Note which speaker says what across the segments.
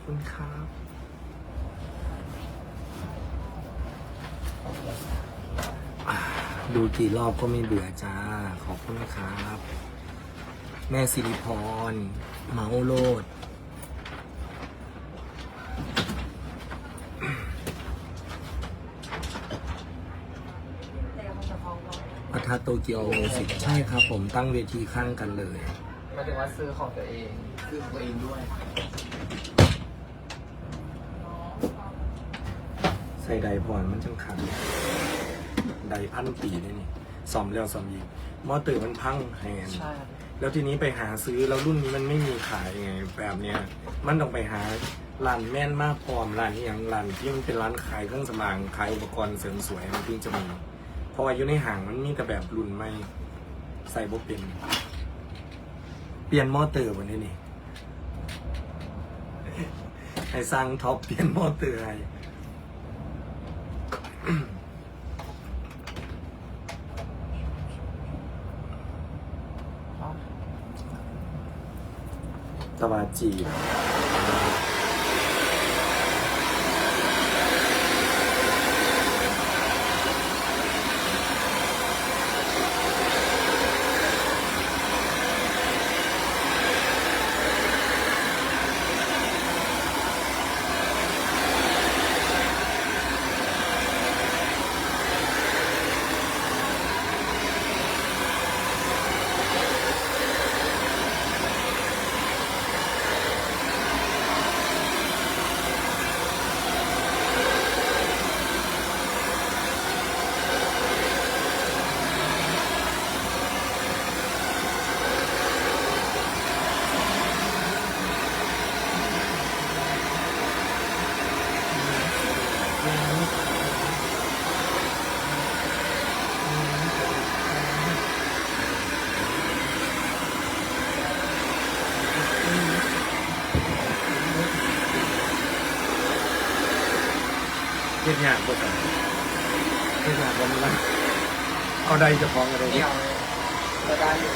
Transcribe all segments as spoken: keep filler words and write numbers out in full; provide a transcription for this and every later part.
Speaker 1: คุณครับดูกี่รอบก็ไม่เบื่อจ้าขอบคุณครับแม่สิริพรเมาโลดปะทะโตเกียวมิวสิกใช่ครับผมตั้งเวทีข้างกันเลย
Speaker 2: หมายถึงว่าซื้อของตัวเองซื้อของตัวเองด้วย
Speaker 1: ใส่ไดพรมันจังขันไดพันปีนี่นี่ซ่อมแล้วซ่อมอีกมอเตอร์มันพังแหง
Speaker 2: ใช่ครับ
Speaker 1: แล้วทีนี้ไปหาซื้อแล้วรุ่นนี้มันไม่มีขายไงแบบเนี้ยมันต้องไปหาร้านแม่นมากพร้อมร้านนี้อย่างร้านที่มันเป็นร้านขายเครื่องสำอางขายอุปกรณ์เสริมสวยมันถึงจะมีเพราะว่าอยู่ในห้างมันมีแต่แบบรุ่นไม่ใส่บ่เป็นเปลี่ยนมอเตอร์วันนี้นี่ให้สร้างท็อปเปลี่ยนมอเตอร์ให้ตะวาจีเฮ็ดงานบ่กันเฮ็ดงานบ่มีวันเอาใดจะฟ้องอะไร
Speaker 2: เดี่ยวก็ได้อยู่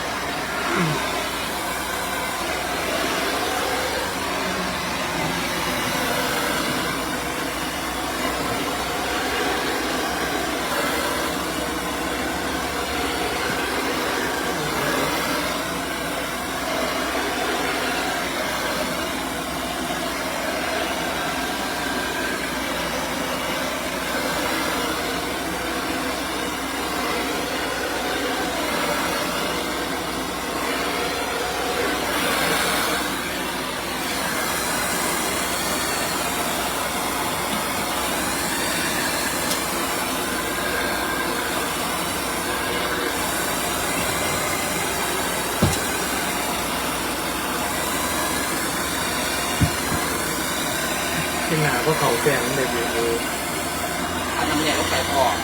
Speaker 1: เฮ็ดงานก็เขาแฝงได้ดีเลย
Speaker 2: อันน้ำเนี่ยก็ใส่ออก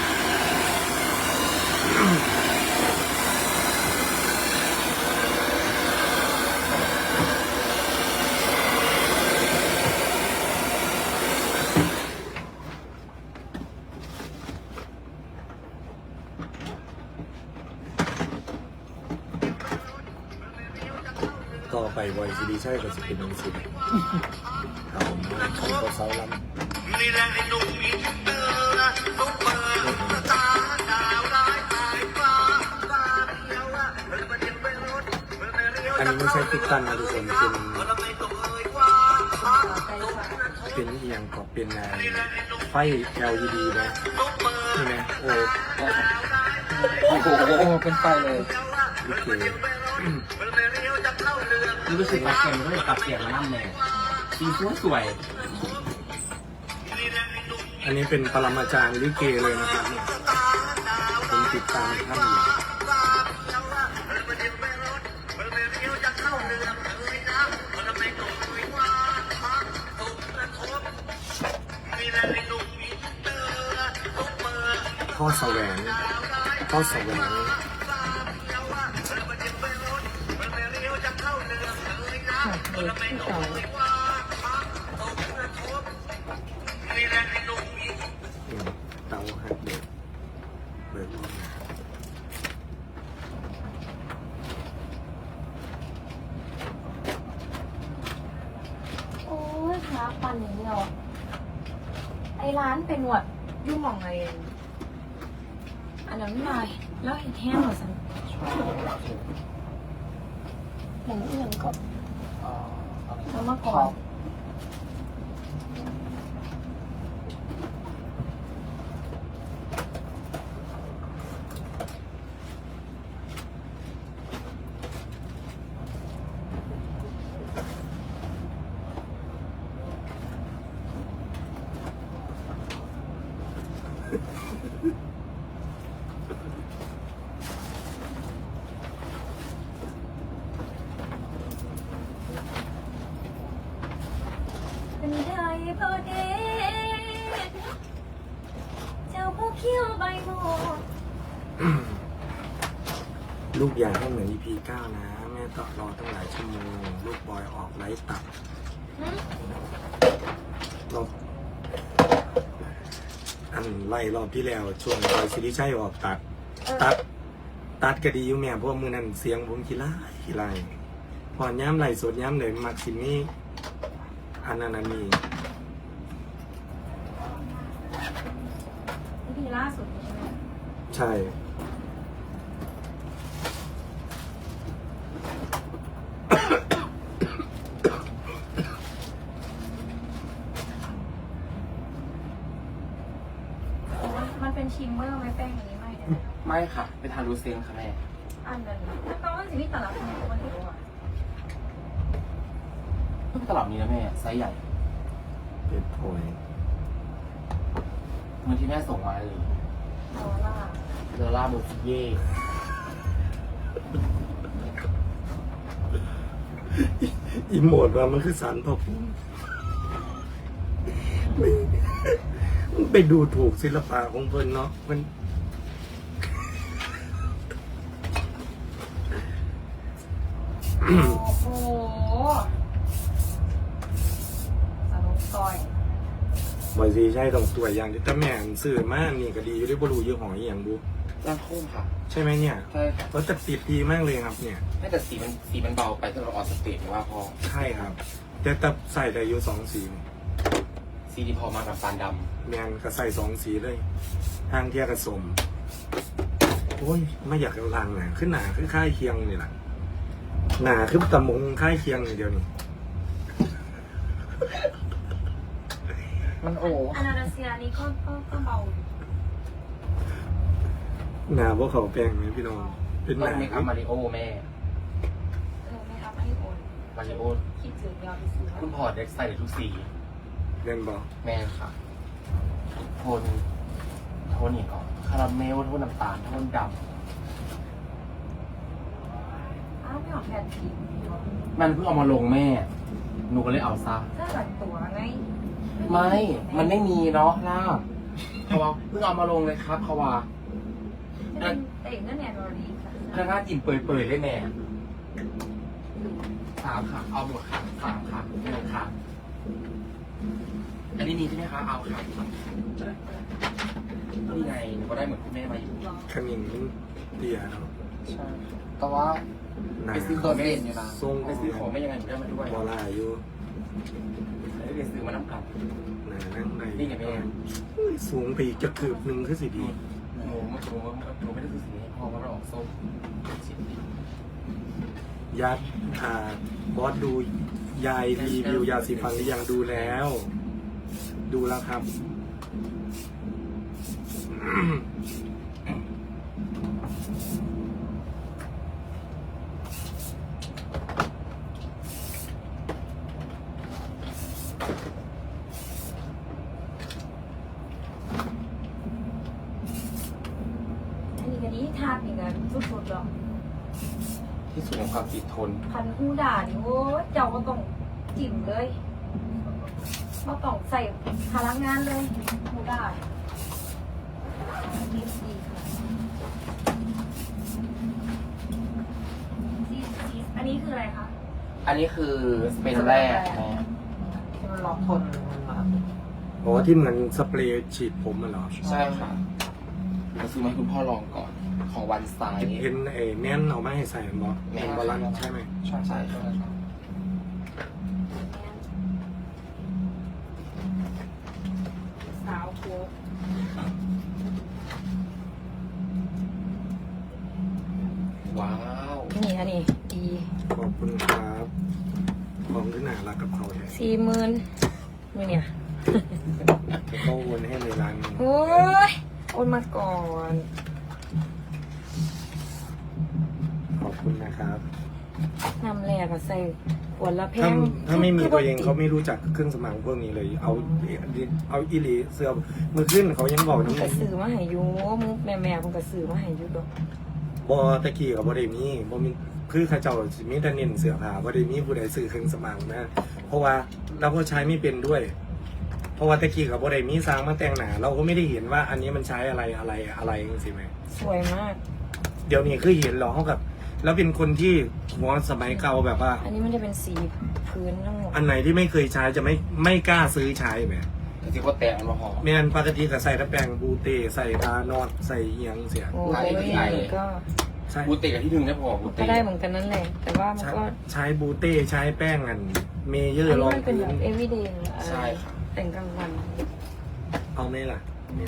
Speaker 1: ต่อไปไวซีดีใช่ก็จะเป็นหนังสือเอาเขาก็เซาล้ำอันนี้ไม่ใช่ติดตั้งนะทุกคนเป็นเป็นเอียงก็เป็นไฟ แอล อี ดี นะนี่นะโอ้
Speaker 2: โอ้โหเป็นไฟเลย
Speaker 1: โอเค
Speaker 2: รู้สึกว่าเกมก็เลยปรับเปลี่ยนมาหน้าแม่สีสวยสวย
Speaker 1: อันนี้เป็นปรมาจารย์ลิเกเลยนะครับเนี่ยผมติดตามท่านอยู่ข้อแสวงข้อแสวงเตาหักเบิกเบิก
Speaker 3: โอ้ยปันอย่างนี้เราไอ้ร้านเป็นหนวดยุ่งมองอะไรอันนั้นไม่แล้วเห็นแห้งเหรอสันอย่างนี้อย่างก็แล้วมาก่อนเป็นไทยพอเดเจ้าผู้เขี้ยวใบโมด
Speaker 1: ลูกอยากให้เหมือน อี พี เก้านะแม่ต้องรอตั้งหลายชั่วโมงลูกบอยออกไลฟ์ตัดรอบอันไล่รอบที่แล้วช่วงบอยซิริชัยออกตัด ตัด ตัดก็ดีอยู่แม่เพราะว่ามือนั้นเสียงผมขี้ไล่ขี้ไล่พอย้ำไหลสดย้ำเลยมักสินี่อันนั้นอันนี้
Speaker 3: นี่คือล่าสุดใช่ไหม
Speaker 1: ใช่
Speaker 3: มันเป็นชิมเมอร์ไหมแป้งอันนี้ไม่ได้
Speaker 2: ไม่ค่ะเป็นทารูเซนค่ะแม่
Speaker 3: อันนั้นแล้วแปลว่าสิ่งที่ตลาดคนมันถือว่า
Speaker 2: ตลับนี้นะแม่ไซส์ใหญ่
Speaker 1: เป็นโพย
Speaker 2: เหมือนที่แม่ส่งมาเลย
Speaker 3: โซล่า
Speaker 2: เดอล่าโมซิเย่
Speaker 1: อีโมดว่ามันคือสารพระภูมิมันไปดูถูกศิลปะของเพิ่นเนาะมัน
Speaker 3: โอ้โหสนุกซอย
Speaker 1: บอยซีใช่ต้องตัวอย่างที่แต่แม่นซื้อมานี่ก็ดีอยู่ได้บ่รู้ยี่ห้ออีหยังดู
Speaker 2: ร่างโค้งค่ะ
Speaker 1: ใช่ไหมเนี่ย
Speaker 2: ใช่ค่ะ
Speaker 1: รสแต่ติดดีมากเลยครับเนี่ย
Speaker 2: ไม่แต่สีมันสีมันเบาไปถ้าเราออกสเตจหรือว่าพอ
Speaker 1: ใช่ครับ แต่แต่ใส่ได้อยู่สองสี
Speaker 2: สีที่พอมากับปานด
Speaker 1: แมนก็ใส่สองสีเลยทางเทียกระสมโอ้ยไม่อยากเอาลังน่ะขึ้นหนาขึ้นค่ายเคียงนี่แหละหนาขึ้นตะมงค่ายเคียงอย่างเดียวนี่
Speaker 2: ำมันโอ้
Speaker 3: อานาเซียนี้ก็ก็ก็เบา
Speaker 1: หนาพวกเขาแปลงไหมพี่น้องเป็นห
Speaker 2: ต้อ
Speaker 1: นาง
Speaker 2: เมคอัพมาริโอแม่
Speaker 3: เออไม่ครับอันนี้โอน
Speaker 2: มาริโอ
Speaker 3: คิดถึงยาวไปซื้อ
Speaker 2: คุณพอร์ตเด็กใส่ได้ทุกสี
Speaker 1: เรียนบอก
Speaker 2: แม่ค่ะ โทน โทนนี่ก่อนคาราเมล โทนน้ำตาล โทนด
Speaker 3: อ้าวไม่ออกแผ่นที
Speaker 2: ำมันเพิ่งเอามาลงแม่ หนูก็เลยเอาซะ
Speaker 3: ถ้าหลังตัวไง
Speaker 2: ไม่ มันไม่มีเนาะล่าบเขาว่าเพิ่งเอามาลงเลยครับเขาว่า
Speaker 3: เป็นเต่งนั่นแอนโรลี
Speaker 2: พนักงานกินเปื่อยๆได้แม่สามค่ะ เอาหมดค่ะสามค่ะหนึ่งค่ะ อันนี้มีใช่ไหมคะ เอาค่ะนี่ไงหนูก็ได้เหมือนคุณแม่มาอยู่
Speaker 1: ขมิ้นมันเตี้ยเนาะ
Speaker 2: ใช่แต่ว่า
Speaker 1: หนา
Speaker 2: ไปซื้อของไม่ได้อยู่นะ
Speaker 1: ทรง
Speaker 2: ไปซื้อของไม่ยังไงหนูได้มาด้วย
Speaker 1: บอลาอยู่
Speaker 2: ไม่ได้ไปซื้อมาน้ำกลับ
Speaker 1: หนานั่งใน
Speaker 2: นี่ไงแม่
Speaker 1: อุ้ยสูงไปอีกจะเกือบหนึ่งคือสิดี
Speaker 2: หนูหนูหนูไม่ได้ซื้อสีนี้เพราะว่ามันออกส้มชิ้นดี
Speaker 1: ยัดอ่าบอสดูยายรีวิวยาสีฟันหรือยังดูแล้ว ดูแล้วครับ
Speaker 3: อันนี้กันนี้ทาบอีกแล้วสุดๆหรอ
Speaker 2: ที่สุดของความติดทน
Speaker 3: พันหูด่านี่โอ้เจ้าก็ต้องจิ้มเลยก็ต้องใส่พลังงานเลยหูด่าดีดีค่ะซีซีอันนี้คืออะไรคะ
Speaker 2: อันนี้คือสเปนแรกแม่
Speaker 3: ที่มันล็อกทนมันมา
Speaker 1: อ๋อที่เหมือนสเปรย์ฉีดผมมันเหรอ
Speaker 2: ใช่ค่ะเราซื้อมาให้คุณพ่อลองก่อนของวันไซด์
Speaker 1: เห็นไอ้แน่นเอามาให้ใส่บอสแมนบอลันใช่ไหม
Speaker 2: ใช่ใช่ใช่ครับ
Speaker 1: คุณครับของขึ้นหนารักกับเขาเนี่ย
Speaker 3: สี่หมื่นมือเนี่ย
Speaker 1: เขาโอนให้ในร้านนี้
Speaker 3: โอ้ยโอนมาก่อน
Speaker 1: ขอบคุณนะครับ
Speaker 3: นำแรกอะใส่ขวดละแพ
Speaker 1: ถ้าง ถ้าไม่มีตัวเองเขาไม่รู้จักเครื่องสมางพวกนี้เลย เอาเอาอีหลีเสื้อมือขึ้นเขายังบอก
Speaker 3: มัน
Speaker 1: น้ำ
Speaker 3: กระ
Speaker 1: มัน
Speaker 3: สือมาใหายยูมุกแม่แม่มันกระสือมาใหายยูดอก
Speaker 1: บอตะกี้กับบอได้มีบอมีคือเข้าเจ้าสิมีแต่เน้นเสื้อผ้าบอได้มีผู้ใดซื้อเครื่องสมางนะเพราะว่าเราก็ใช้ไม่เป็นด้วย เพราะว่าตะกี้กับบอได้มีสร้างมาแต่งหนาเราก็ไม่ได้เห็นว่าอันนี้มันใช้อะไรอะไรอะไรจริงไหม
Speaker 3: สวยมาก
Speaker 1: เดี๋ยวนี้คือเห็นหรอเขากับ แล้วเป็นคนที่หัวสมัยเก่าแบบว่า
Speaker 3: อันนี้มันจะเป็นสีพื้นทั้งหมด
Speaker 1: อันไหนที่ไม่เคยใช้จะไม่ไม่กล้าซื้อใช้แบบ
Speaker 2: จริงๆว่าแตะมันมาหอม
Speaker 1: แม่นปกติก็ใส่ตะแปรงบูเต้ใส่ตานอดใส่เอียงเสีย
Speaker 3: โอ้
Speaker 2: หลาย
Speaker 3: ย
Speaker 2: หลาย
Speaker 3: ก็
Speaker 1: ใช่
Speaker 2: บูเตะกับที่หนึ่งได้พอบู
Speaker 3: ก็
Speaker 2: เตะ
Speaker 3: ได้เหมือนกันนั่นแหละ แต่ว่ามัน
Speaker 1: ใช้
Speaker 3: ก็
Speaker 1: ใช้บูเต้ใช้แป้งอันเมเยอ
Speaker 3: อัน
Speaker 1: ร์ร
Speaker 3: นี้
Speaker 1: อง
Speaker 3: มันเป็น
Speaker 1: พื้
Speaker 3: แบบ
Speaker 1: น
Speaker 3: everyday
Speaker 2: ใช่ค่ะ
Speaker 3: แต่งกลางวัน
Speaker 1: เอาไหมล่ะเนี่ย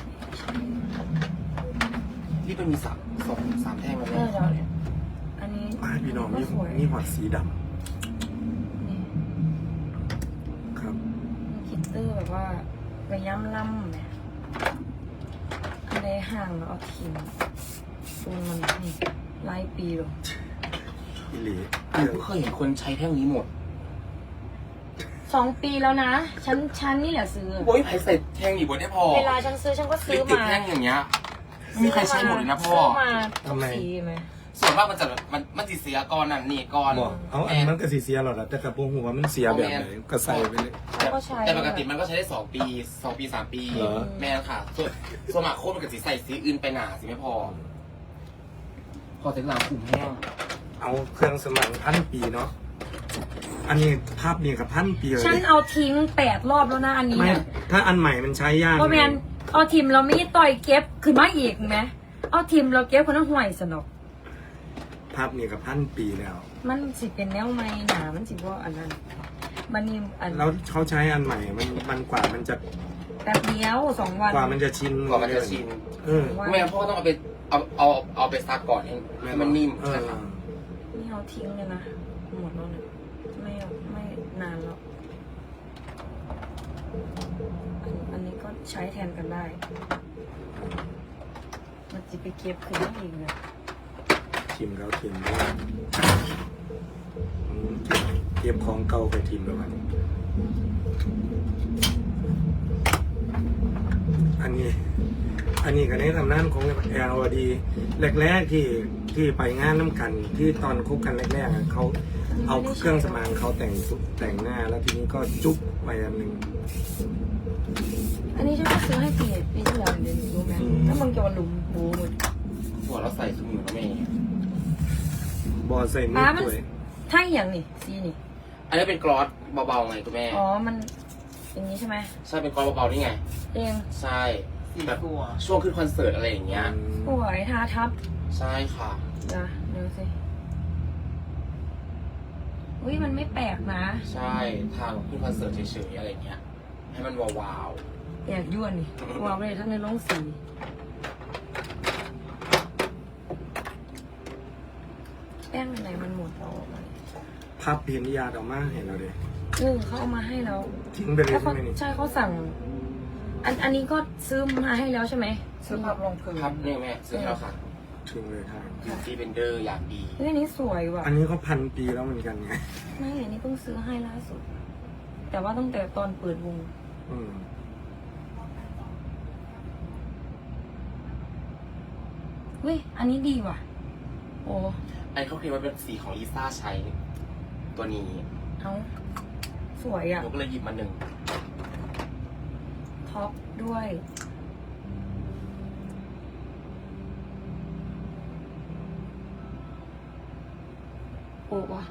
Speaker 2: ที่เป็นมีสามสองสามแท่งแล้ว
Speaker 3: เอ
Speaker 2: เนี่
Speaker 3: อย เดี๋ยวเนี่ยอันนี้
Speaker 1: มาพี่น้อง
Speaker 3: ก็
Speaker 1: มี
Speaker 3: สวย
Speaker 1: มีหอดสีด
Speaker 3: นี่
Speaker 1: ำครับ
Speaker 3: มีคิตเตอร์แบบว่าระย่ำล่ำเนี่ยอันใดห่างแล้วเอาทิ้งตูนมันนี่หลายปีหรอ
Speaker 1: อิหลี
Speaker 2: อันนี้เคยเห็นคนใช้แท่งนี้หมด
Speaker 3: สองปีแล้วนะ ฉันฉันนี่แหละซื้อ
Speaker 2: โอ้ยไผ่ใส่แท่งอีกบนได้พอ
Speaker 3: เวลาฉันซื้อฉันก็ซื้อ
Speaker 2: ติด
Speaker 3: มา
Speaker 2: แท่งอย่างเงี้ยไม่มีใครใช้หมดเลยนะพ่อ
Speaker 3: ซื้อมาทุกสีไหม
Speaker 2: ส่วนมากมันจะแบบมันมันติดเสียก้อนนั่นนี่ก้อน
Speaker 1: บอกเอาอันมันก็สีเสียหรอกนะแต่กระโปรงหัวมันเสียแบบไหนก็ใส่ไปเลย
Speaker 3: เขาก็ใช้
Speaker 2: แต่ปกติมันก็ใช้ได้สองปีสองปีสามปี
Speaker 1: เหรอ
Speaker 2: แม่นค่ะ ส่วนส่วนมากโคตรมันก็สีใส่สีอื่นไปหนาสิไม่พอ พอเสร็จแล้วกลุ่มแห้ง
Speaker 1: เอาเครื่องสมางพันปีเนาะอันนี้ภาพนี้กับพันปีเลย
Speaker 3: ฉันเอาทิ้งแปดรอบแล้วนะอันนี้
Speaker 1: ไม่
Speaker 3: อะ
Speaker 1: ถ้าอันใหม่มันใช้ยาก
Speaker 3: เพราะแมนเอาทิมเราไม่ต่อยเก็บขึ้นมาอีกไหมเอาทิมเราเก็บคนนั้นห่วยสนอก
Speaker 1: ภาพนี้กับพันปีแล้ว
Speaker 3: มันสิเป็นแนวไม่หนามันสิว่าอันนั้นมันนี่อัน
Speaker 1: แล้วเขาใช้อันใหม่ มันมันกว่ามันจะ
Speaker 3: แป๊บเดียวสองวัน
Speaker 1: กว่ามันจะชิน
Speaker 2: กว่ามันจะชิน
Speaker 1: เออ
Speaker 2: แม่พ่อต้องเอาไปเอาเอาเอาไปซักก่อนให้ให้มันนิ่ม
Speaker 1: เอ
Speaker 2: ใช่
Speaker 1: อ
Speaker 2: ค่ะ
Speaker 3: นี่เอาทิ้งเลยนะหมดแล้วเนี่ยไม่เอาไม่นานแล้วอันอันนี้ก็ใช้แทนกันได้ มันจะไปเก็บขึ้นมาอีกเนี่ย
Speaker 1: ทิมแล้วทิมด้วยอืมเก็บของเก่าไปทิมแล้วมันอันนี้ อันนี้ก็ในตำนานของแอลดีแรกๆที่ที่ไปงานน้ำกันที่ตอนคบกันแรกๆอะเขาเอาเครื่องสมางเขาแต่งสุแต่งหน้าแล้วทีนี้ก็จุ๊บไปอันหนึ่ง
Speaker 3: อันนี้ฉันก็ซื้อให้ปีปีที่แล้วเดือนรู้ไหม
Speaker 1: อืม
Speaker 3: ถ้ามึงจะมาลุมบูหมด
Speaker 2: หัวเราใส่สมุนแล้วแม่
Speaker 1: บอใส่มื
Speaker 3: ป้า
Speaker 1: อ
Speaker 3: มัน
Speaker 1: ด้วย
Speaker 3: ถ้าอย่างนี่ซีนี่
Speaker 2: อันนี้เป็นกรอสเบาๆไงคุณแม่
Speaker 3: อ๋อ มันอย่างนี้ใช่ไหม
Speaker 2: ใช่เป็นกรอสเบาๆนี่ไง
Speaker 3: เอง
Speaker 2: ใช่แบบช่วงขึ้นคอนเสิร์ตอะไรอย่างเงี้ย
Speaker 3: สวยทาทับ
Speaker 2: ใช่ค่ะ
Speaker 3: นะดูสิอุ้ยมันไม่แปลกนะ
Speaker 2: ใช่ทางขึ้นคอนเสิร์ตเฉยๆอะไรอย่างเงี้ย ให้มันวาว
Speaker 3: อยากยั่วนี่วางไปเลยทั้งในโรงสีแป้งไหนมันหมดแล้วอะ
Speaker 1: พับเพียนยาดออกมาเห็นเราเลย
Speaker 3: เออเขาเอามาให้แล้ว
Speaker 1: ทิ้งไปเลย
Speaker 3: แล้ว
Speaker 1: ใช่
Speaker 3: เขา
Speaker 1: ไหมนี่
Speaker 3: ใช่เขาสั่ง อันอันนี้ก็ซื้อมาให้แล้วใช่ไหมซื้อพับลงพื้น
Speaker 2: ๆพับเนี่ยแม่ซื้อให้เราค่ะ
Speaker 1: ทิ้งเลยครับ
Speaker 2: บิวตี้เบนเดอร์อย่างดี
Speaker 3: เฮ้ยอันนี้สวยว่ะ
Speaker 1: อันนี้เขาพันปีแล้วเหมือนกันไง
Speaker 3: ไม่อันนี้เพิ่งซื้อให้ล่าสุด แต่ว่าตั้งแต่ตอนเปิดวง
Speaker 1: อืม
Speaker 3: เฮ้ย อันนี้ดีว่ะ โอ้
Speaker 2: อันนี้เขาเคลมว่าเป็นสีของลิซ่าใช้ ตัวนี้
Speaker 3: เอาสวยอ่ะ
Speaker 2: หนูก็เลยหยิบมาหนึ่ง
Speaker 3: ท็อปด้วย โอ้ว่ะ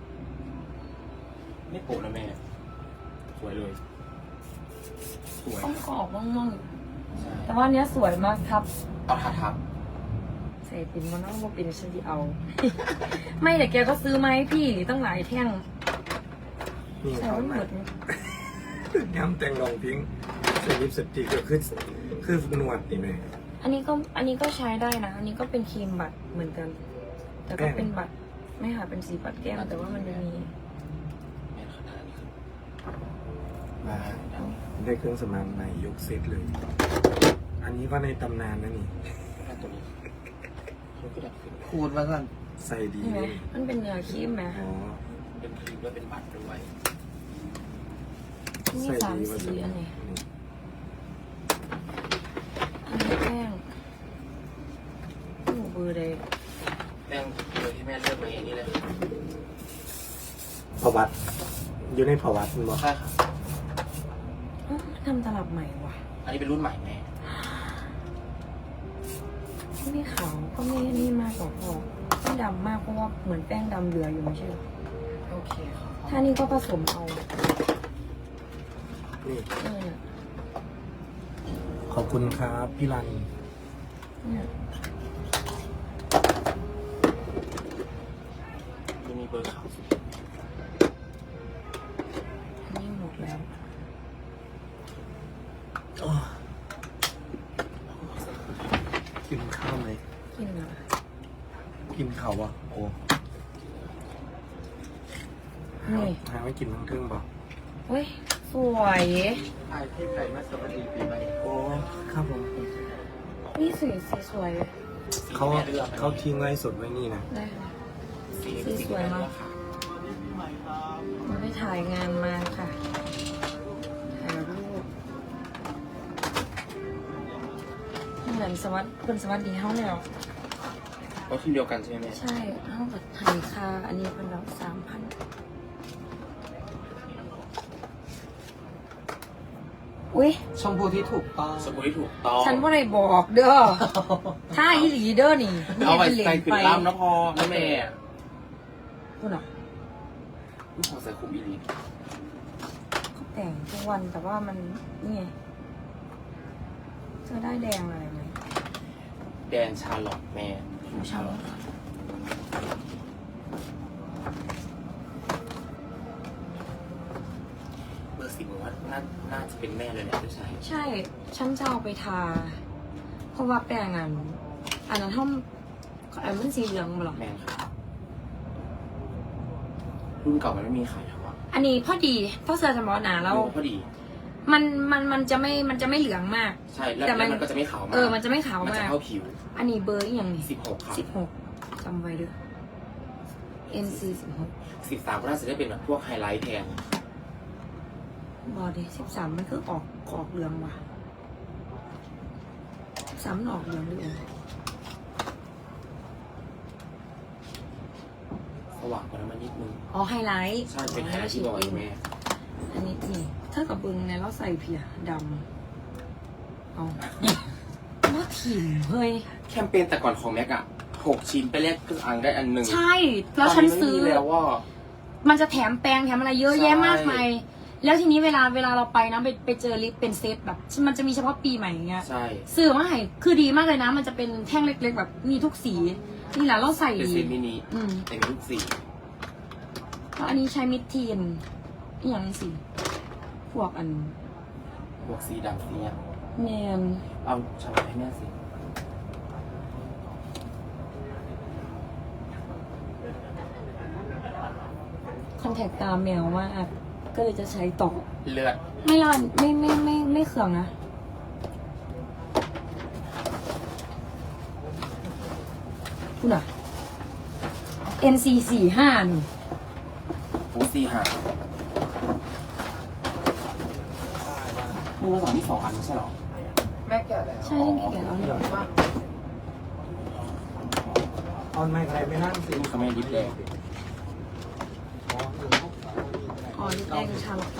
Speaker 2: ไม่โปะนะแม่ สวยเลย สวย
Speaker 3: ต้องกรอบมั่ง
Speaker 2: ใช่
Speaker 3: ๆแต่ว่าอันเนี้ยสวยมากครับ
Speaker 2: เอาทาทับ
Speaker 3: ใส่ปิ่นมันต้องมาปิ่นฉันที่เอา ไม่แต่แกก็ซื้อมาให้พี่ตั้งหลายแท่ง
Speaker 1: นี่
Speaker 3: ใส่
Speaker 1: เขา
Speaker 3: ไม่ห
Speaker 1: มาม
Speaker 3: ดเลย
Speaker 1: ย้ำแต่งรองพิงใส่ลิปสติกก็คือคือหนวดนี่ไหม
Speaker 3: อันนี้ก็อันนี้ก็ใช้ได้นะ อันนี้ก็เป็นครีมบัตรเหมือนกัน แต่ก็เป็นบัตรไม่ค่ะเป็นสีปัดแก้มแต่ว่ามันจะมี
Speaker 2: แม่ขนาดนี้คือมา
Speaker 1: ได้เครื่องสำอางใหม่ยกเซตเลย อันนี้ก็ในตำนานนะนี่
Speaker 2: แค่ตัวนี้มันก็ดับขึ้น
Speaker 4: คูดมาสั่น
Speaker 1: ใส่ดี
Speaker 3: เห็นไหม
Speaker 1: เลย
Speaker 3: มันเป็นเนื้อครีมไหม
Speaker 1: อ๋อ
Speaker 2: เป็นครีมด้วยเป็นบัตรด้วย
Speaker 3: มี
Speaker 1: ใส่
Speaker 3: สาม
Speaker 1: ดีว่า
Speaker 3: สีอันนี้
Speaker 1: นี่
Speaker 3: อันนี้แป้งหนูเบอร์เลย
Speaker 2: แป้งเลยที่แม่เลือกมาเองนี่เลย
Speaker 1: ประวัติอยู่ในประวัติมันบอก
Speaker 2: ใช่ค่ะ
Speaker 3: อ้าวทำตลับใหม่ว่ะ
Speaker 2: อันนี้เป็นรุ่นใหม่แม่
Speaker 3: ไม่ขาวก็ไม่นี่มากกว่าพอไม่ดำมากเพราะว่าเหมือนแป้งดำเหลืออยู่ไม่ใช่เหรอ
Speaker 2: โอเคค่ะ
Speaker 3: ถ้านี่ก็ผสมเอา
Speaker 1: นี่
Speaker 3: เออ
Speaker 1: ขอบคุณครับพี่รัน
Speaker 3: เนี่ย
Speaker 2: จะมีเบอร์ขาวสุด
Speaker 3: อันนี้หมดแล้ว
Speaker 1: อ๋อกินข้าวไหม
Speaker 3: กินอะไร
Speaker 1: กินข้าววะโอ้
Speaker 3: นี่
Speaker 1: หาไม่กินทั้งเครื่องบอก
Speaker 3: เฮ้ยสวย
Speaker 4: ไอ้ที่ไก่มาสวัสดีปีใหม่
Speaker 1: โอ้ครับผม
Speaker 3: นี่สวยสีสวย
Speaker 1: เขาเขาทิ้งไว้สดไว้นี่นะ
Speaker 3: ได้ค่ะ
Speaker 2: สี
Speaker 3: สีสวยมาก
Speaker 2: ค่ะ
Speaker 3: มันไปถ่ายงานมาค่ะถ่ายรูปเหมือนสวัสดิ์เป็นสวัสดีเฮาแล้ว
Speaker 2: ก็ทีมเดียวกันใช่ไหมแม่
Speaker 3: ใช่เฮากับถ่ายค่าอันนี้เป็นเราสามพันอุ้ย
Speaker 4: ชมพูที่ถูกต้อง
Speaker 2: สมมติถูกต้อง
Speaker 3: ฉันว่าได้บอกเด้อ ถ้าอีหลีเด้อนี่
Speaker 2: เอาไป
Speaker 3: หลี
Speaker 2: ใส่ขึ้นล่ำนะพอแม่แม่
Speaker 3: คุณอ่ะ
Speaker 2: ลูกของใส่คุมอีลี
Speaker 3: เขาแต่งทุกวันแต่ว่ามันนี่ไงเธอได้แดงอะไรไหม
Speaker 2: แดนชาร์ลอตแม่
Speaker 3: ชาลอต
Speaker 2: เบอร์สิบผมว่าน่าน่าจะเป็นแม่เลยแหละไม่ใช่
Speaker 3: ใช่ ฉันจะเอาไปทา เพราะว่าแป้งอันอันนั้นท่อมอันมันสีเหลืองมาหรอ
Speaker 2: แม่นค่ะรุ่นเก่ามันไม่มีขายแล้วอะ
Speaker 3: อันนี้พอดีเพราะเสื้อจะบอกหนาแล้ว
Speaker 2: พอดี
Speaker 3: มันมันมันจะไม่มันจะไม่เหลืองมาก
Speaker 2: ใช่แล้ว
Speaker 3: แต่มัน
Speaker 2: แล้วมันก็จะไม่ขาวมาก
Speaker 3: เออมันจะไม่ขาว
Speaker 2: มันจะ
Speaker 3: มาก
Speaker 2: เข้าผิว
Speaker 3: อันนี้เบอร์อหย่างนี้
Speaker 2: สิบหกค่ะ
Speaker 3: สิบหกจำไว้ด้วย เอ็น ซี สิบหก
Speaker 2: สิบสามก็น่าจะได้เป็นแบบพวกไฮไลท์แทน
Speaker 3: บอดี้สิบสามมันคือออกออกเหลืองว่ะสิบสามมันออกเหลืองด้วย
Speaker 2: สว่างกว่านั้นมานิดนึง
Speaker 3: อ๋อไฮไลท์
Speaker 2: ใช่เป็นไฮไลท์ที่บอกแม่
Speaker 3: อันนี้นี่ถ้ากับบึงเนี่ยเราใส่เพียดำเอาว่าถิ่มเฮ้ย
Speaker 2: แคมเปญแต่ก่อนของแม็กอะหกชิ้นไปแลกเครื่องอังได้อันหนึ่ง
Speaker 3: ใช่ แล้วฉันซื้อ
Speaker 2: ตนนี้ไม่มีแล้วว่า
Speaker 3: มันจะแถมแปรงแถมอะไรเยอะ
Speaker 2: ใช่
Speaker 3: แยะมากมายแล้วทีนี้เวลาเวลาเราไปนะไปไปเจอลิปเป็นเซตแบบ มันจะมีเฉพาะปีใหม่อย่างเงี้ย
Speaker 2: ใช่
Speaker 3: ซื้อมาให้คือดีมากเลยนะ มันจะเป็นแท่งเล็กๆ แบบมีทุกสี นี่แหละเราใส่
Speaker 2: เป็นเซตมินิ
Speaker 3: อืม
Speaker 2: แต่มีลูกสี
Speaker 3: แล้วอันนี้ใช้มิดทีนอหย่างนี้สิพวกอัน
Speaker 2: บวกสีดำสีอะ
Speaker 3: แนน
Speaker 2: เอาชาวให้แม่สิ
Speaker 3: คอนแทคตาแมวมากก็เลยจะใช้ต่อ
Speaker 2: เลือด
Speaker 3: ไม่รอนไม่ไม่ไม่ไม่เคืองนะคุณอ่ะ เอ็น ซี สี่ห้าหนึ่ง
Speaker 2: ฟูสีหามือสองที่สองอันไม่ใช่หรอ
Speaker 4: แม่แก่แล้ว
Speaker 3: ใช่ที่เขียนเอาเนี่ย
Speaker 1: ออนไม่อะไรไม่นั่งสิ
Speaker 2: ลูกคาเมนดิฟแดง
Speaker 3: อ๋อนี่แป้งชาลอต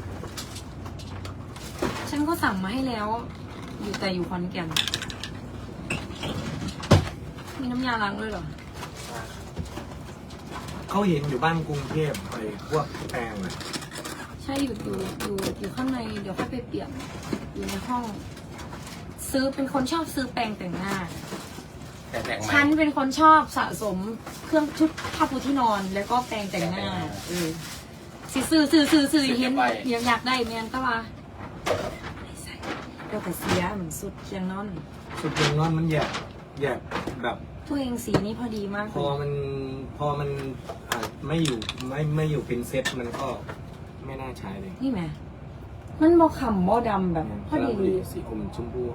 Speaker 3: ฉันก็สั่งมาให้แล้ว อยู่แต่อยู่ขอนแก่นมีน้ำยาล้างด้วยเหรอ
Speaker 1: เขาเห็นอยู่บ้านกรุงเทพไปพวกแปลงอะ
Speaker 3: ใช่อยู่อยู่อยู่อยู่ข้างในเดี๋ยวค่อยไปเปลี่ยนอยู่ในห้อง ซื้อเป็นคนชอบซื้อแปรงแต่งหน้า
Speaker 2: แต่แตกไหม
Speaker 3: ฉันเป็นคนชอบสะสมเครื่องชุดผ้าปูที่นอน แล้วก็แปรงแต่งหน้าเออสิซื้อซื้อซื้อซื้อเห็นเดี๋ยวอยากได้แมนก็ว่าไม่ใส่เดี๋ยวแต่เสียเหมือนสุดเคียงนอน
Speaker 1: สุดยงนอนมันแย่
Speaker 3: อ
Speaker 1: แยกแบบ
Speaker 3: ตัวเองสีนี้พอดีมาก
Speaker 1: พอมันพอมันอ่ะไม่อยู่ไม่ไม่อยู่เป็นเซตมันก็ไม่น่าใช้เลย
Speaker 3: นี่ไหมมันบอขำบอดำแบบพอดีเลย
Speaker 1: สีอมชมพู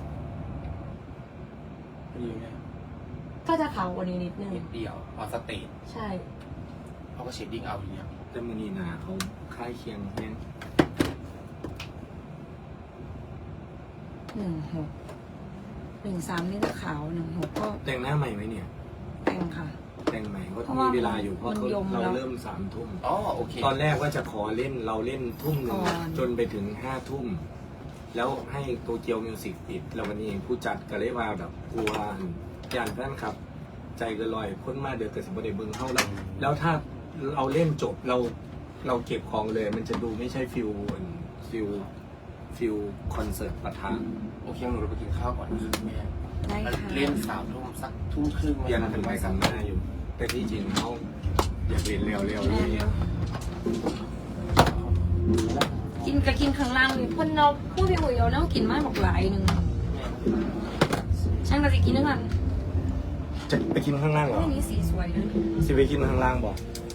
Speaker 2: ดีไหม
Speaker 3: ก็จะขาวกว่านี้นิดนึง
Speaker 2: นิดเดียวออนสเตจ
Speaker 3: ใช่
Speaker 2: เขาก็เชดดิ้งเอาอย่างเงี้ย
Speaker 1: แต่มือนีหนาเขาคล้ายเคียงแน่น
Speaker 3: หนึ่งหกหนึ่งสามนี่จะขาวหนึ่งหกก็
Speaker 1: แต่งหน้าใหม่ไหมเนี่ย
Speaker 3: แต่งค่ะ
Speaker 1: แต่งใหม่ก็
Speaker 3: เพราะ
Speaker 1: มี
Speaker 3: ว่า
Speaker 1: เวลาอยู่เพราะ
Speaker 3: มัน
Speaker 1: เขา
Speaker 3: ยม
Speaker 1: เรา
Speaker 3: แล้ว
Speaker 1: เริ่มสามทุ่ม
Speaker 2: อ๋อโอเค
Speaker 1: ตอนแรกว่าจะขอเล่นเราเล่นทุ่มหนึ่ง
Speaker 3: ก่อน
Speaker 1: จนไปถึงห้าทุ่ม แล้วให้โตเกียวมิวสิกปิด แล้ววันนี้ผู้จัดก็เลยว่าแบบกลัวย่านแฟนครับ ใจเก็ลอยพ้นมาเดือดกระสิบเดเบิงเข้าแล้ว แล้วถ้าเราเล่นจบเราเราเก็บของเลย มันจะดูไม่ใช่ฟิลฟิลฟิลคอนเสิร์ตประธาน
Speaker 2: โอเคหนูเราไปกินข้าวก่อนนะครับแม่
Speaker 3: ได้ค่ะ
Speaker 2: เล่นสามทุ่มสักทุ่มครึ่ง
Speaker 1: ยังเป็นไปกันหน้าอยู่ แต่ที่จริงเขาอยากเรียนเร็วๆเลย
Speaker 3: กินก็กินข้างล่างเลยเพ่นเราพูดไปหุยเราเนากินมากบอกหลายหนึ่งช่างเราจะกินด้วยกัน
Speaker 1: จะไปกินข้างล่างเหรอ
Speaker 3: อันนี้สีสวยนะ
Speaker 1: สิไปกินข้างล่างบอก
Speaker 3: ใ